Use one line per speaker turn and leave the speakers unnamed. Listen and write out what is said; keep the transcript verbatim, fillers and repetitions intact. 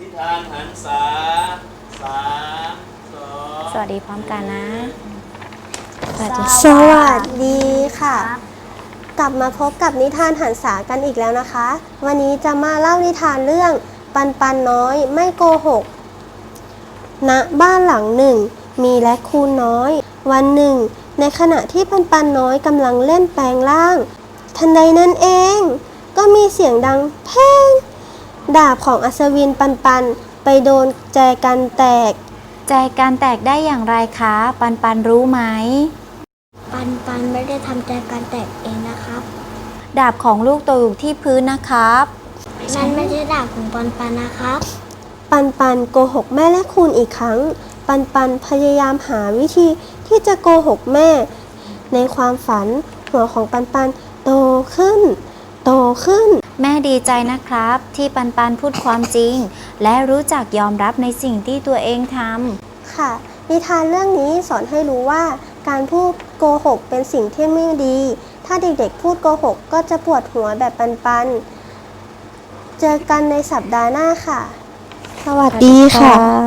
นิทานหันษาสามสอง
สวัสดีพร้อมกันนะสวัสดี
สวัสดีค่ะ กลับมาพบกับนิทานหันษากันอีกแล้วนะคะ วันนี้จะมาเล่านิทานเรื่องปันปันน้อยไม่โกหก ณ บ้านหลังหนึ่งมีแรคคูนน้อย วันหนึ่งในขณะที่ปันปันน้อยกำลังเล่นแปลงร่าง ทันใดนั้นเอง ก็มีเสียงดังแพงดาบของอัศวินปันปันไปโดนแจกันแตก
ใจการแตกได้อย่างไรคะ ปันปันรู้ไหม
ปันปันไม่ได้ทำใจการแตกเองนะครับ
ดาบของลูกตกอยู่ที่พื้นนะครับ
นั่นไม่ใช่ดาบของปันปันนะครับ
ปันปันโกหกแม่และคุณอีกครั้ง ปันปันพยายามหาวิธีที่จะโกหกแม่ ในความฝันหัวของปันปันโตขึ้น โตขึ้น
แม่ดีใจนะครับที่ปันปันพูดความจริง และรู้จักยอมรับในสิ่งที่ตัวเองทำ
ค่ะ นิทานเรื่องนี้สอนให้รู้ว่าการพูดโกหกเป็นสิ่งที่ไม่ดี ถ้าเด็กๆพูดโกหกก็จะปวดหัวแบบปันปันเจอกันในสัปดาห์หน้าค่ะ สวัสดีค่ะ